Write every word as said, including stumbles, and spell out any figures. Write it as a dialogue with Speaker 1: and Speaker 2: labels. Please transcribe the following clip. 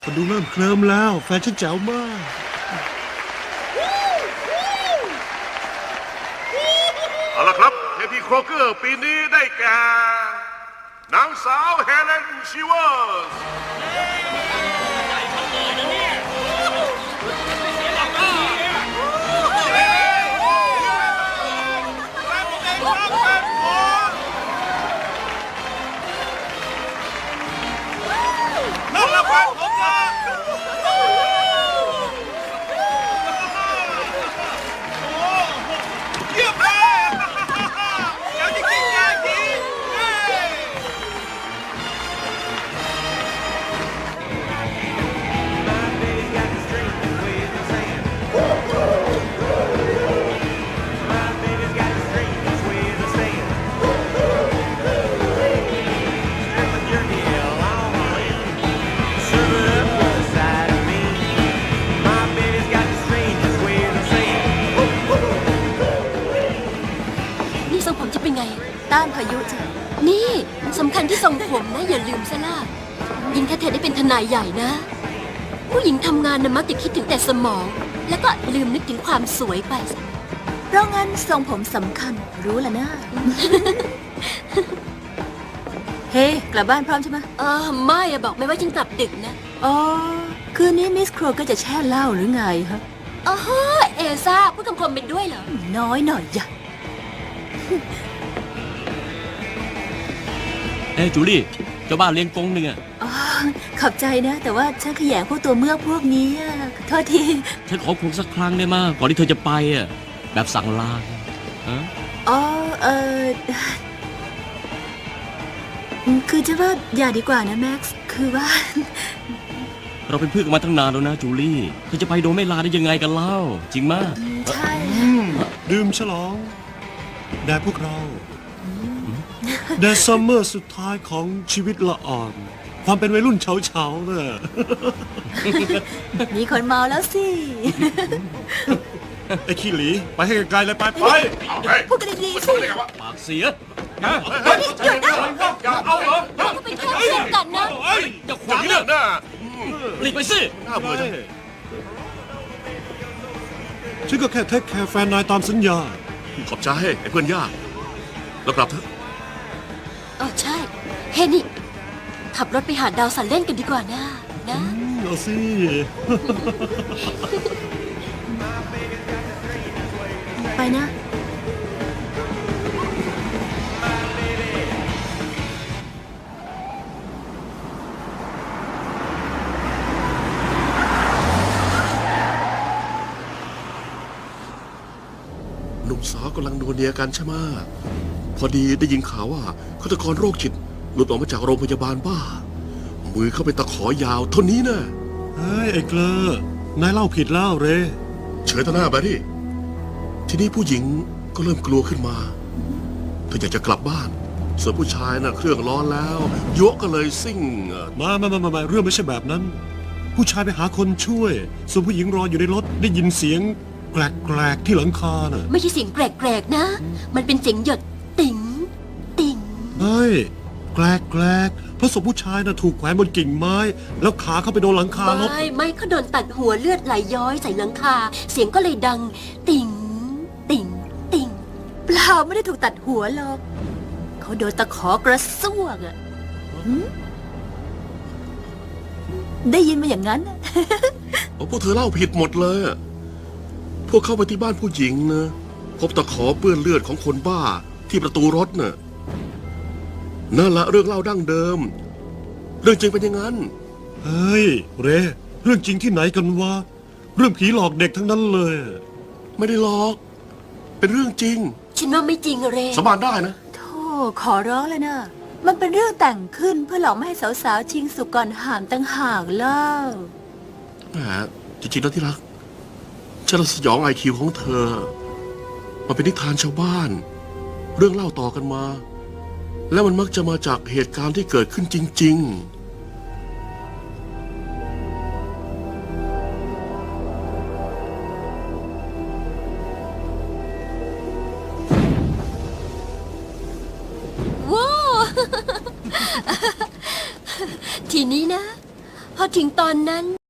Speaker 1: คนดูเริ่มเคลิ้มแล้วแฟนฉันแจ๋วมาก
Speaker 2: เอาละครับเทพีโครเกอร์ปีนี้ได้แก่นางสาวเฮเลนชีเวอร์สนั่นแหละครับผมนะเยี่ยมเลยอยากจะกินยาที
Speaker 3: นี่ทรงผมจะเป็นไงต้านพายุจ้ะนี่สำคัญที่ทรงผมนะอย่าลืมซะล่ะยิ่งถ้าเธอได้เป็นทนายใหญ่นะ ผู้หญิงทำงานนะมักจะคิดถึงแต่สมอง แล้วก็ลืมนึกถึงความสวยไปเพราะงั้นทรงผมสำคัญรู้ละนะ
Speaker 4: เฮ้ กลับบ้านพร้อมใช่ไหม
Speaker 3: เออไม่อะบอกไม่ว่าฉันกลับดึกนะ
Speaker 4: อ๋อ คืนนี้มิสโครก็จะแช่เหล้าหรือไงฮะ
Speaker 3: อ๋อเอซ่าพูดคำคมเป็นด้วยเหรอ
Speaker 4: น้อยหน่อยอย่า
Speaker 5: เอ้ยจูลี่เจ้าบ้านเลี้ยงกงหนึ่งอะ
Speaker 4: อ๋อ ขอบใจนะ แต่ว่าฉันขยงพวกตัวเมือกพวกนี้อะขอโทษที
Speaker 5: ฉันขอคงสักครั้งได้มาก่อนที่เธอจะไปอะแบบสั่งลาฮะ
Speaker 4: อ๋อ เออคือจะว่าอย่าดีกว่านะแม็กซ์ คือว่า
Speaker 5: เราเป็นเพื่อนกันมาตั้งนานแล้วนะจูลี่เธอจะไปโดยไม่ลาได้ยังไงกันเล่าจริงมาก
Speaker 4: ใช่
Speaker 1: อืมดื่มฉลองแด่พวกเราแด่ซัมเมอร์สุดท้ายของชีวิตละอ่อน ความเป็นวัยรุ่นเฉาๆเนี่ย
Speaker 4: มีคนเมาแล้วสิ
Speaker 1: ไอ้ขี้หลี ไปให้ไกลๆเลยไปไป
Speaker 4: พูดกันดีๆสิ
Speaker 5: ปากเสีย
Speaker 3: หยุดนะ
Speaker 2: อย่าเอาเหรอ
Speaker 3: เราก็เป็นแค่เพื่อนกันนะ
Speaker 2: เฮ้ยอย่าขวางเนี่ยนะ
Speaker 5: หลีกไปสิ
Speaker 2: น่าเบื่อจัง
Speaker 1: ฉันก็แค่เทคแคร์แฟนนายตามสัญญา
Speaker 2: ขอบใจไอ้เพื่อนยากแล้วกลับเถอะ
Speaker 3: เออใช่ เฮนี่ ขับรถไปหาดาวสันเล่นกันดีกว่านะ นะ
Speaker 1: เอาสิ
Speaker 4: ไปนะ
Speaker 2: หนุ่มสาวกำลังนัวเนียกันใช่ไหมพอดีได้ยินข่าวว่าฆาตกรโรคจิตหลุดออกมาจากโรงพยาบาลบ้า มือเข้าไปตะขอยาวเท่านี้นะ
Speaker 1: เฮ้ย ไอ้เกลอนายเล่าผิดแล้วเร
Speaker 2: เฉยต่อหน้าไปดิทีนี้ผู้หญิงก็เริ่มกลัวขึ้นมาเธออยากจะกลับบ้าน ส่วนผู้ชายน่ะเครื่องร้อนแล้วยกก็เลยซิ่งเอ่อ
Speaker 1: มามามามามาเรื่องไม่ใช่แบบนั้น ผู้ชายไปหาคนช่วย ส่วนผู้หญิงรออยู่ในรถได้ยินเสียงแกลกๆที่หลังคาน่ะ
Speaker 3: ไม่ใช่เสียงแกรกๆนะ มันเป็นเสียงหยดติ๋งติ๋ง
Speaker 1: เฮ้ย แกลกๆเพราะศพผู้ชายน่ะถูกแขวนบนกิ่งไม้ แล้วขาเข้าไปโดนหลังคารถ
Speaker 3: ไม่ไม่เขาโดนตัดหัวเลือดไหลย้อยใส่หลังคา เสียงก็เลยดัง ติ่ง ติ่ง ติ่ง
Speaker 4: เปล่าไม่ได้ถูกตัดหัวหรอก เขาโดนตะขอกระซวกอะหืมได้ยินมาอย่างนั้นน่ะ
Speaker 2: โอ้พวกเธอเล่าผิดหมดเลยอะพวกเข้าไปที่บ้านผู้หญิงนะพบตะขอเปื้อนเลือดของคนบ้าที่ประตูรถน่ะนั่นละเรื่องเล่าดั้งเดิม เรื่องจริงเป็นอย่างนั้น
Speaker 1: เฮ้ย เร เรื่องจริงที่ไหนกันวะ เรื่องผีหลอกเด็กทั้งนั้นเลย
Speaker 2: ไม่ได้หลอก เป็นเรื่องจริง
Speaker 3: ฉันว่าไม่จริงอะเร
Speaker 2: สาบานได้นะ
Speaker 4: โธ่ขอร้องแล้วนะ มันเป็นเรื่องแต่งขึ้นเพื่อหลอกไม่ให้สาวๆชิงสุกก่อนหามตั้งหากเล่า
Speaker 2: แหมจริงๆแล้วที่รักฉันละสยองไอคิวของเธอ มันเป็นนิทานชาวบ้าน เรื่องเล่าต่อกันมา และมันมักจะมาจากเหตุการณ์ที่เกิดขึ้นจริง
Speaker 3: ว้าว ทีนี้นะพอถึงตอนนั้น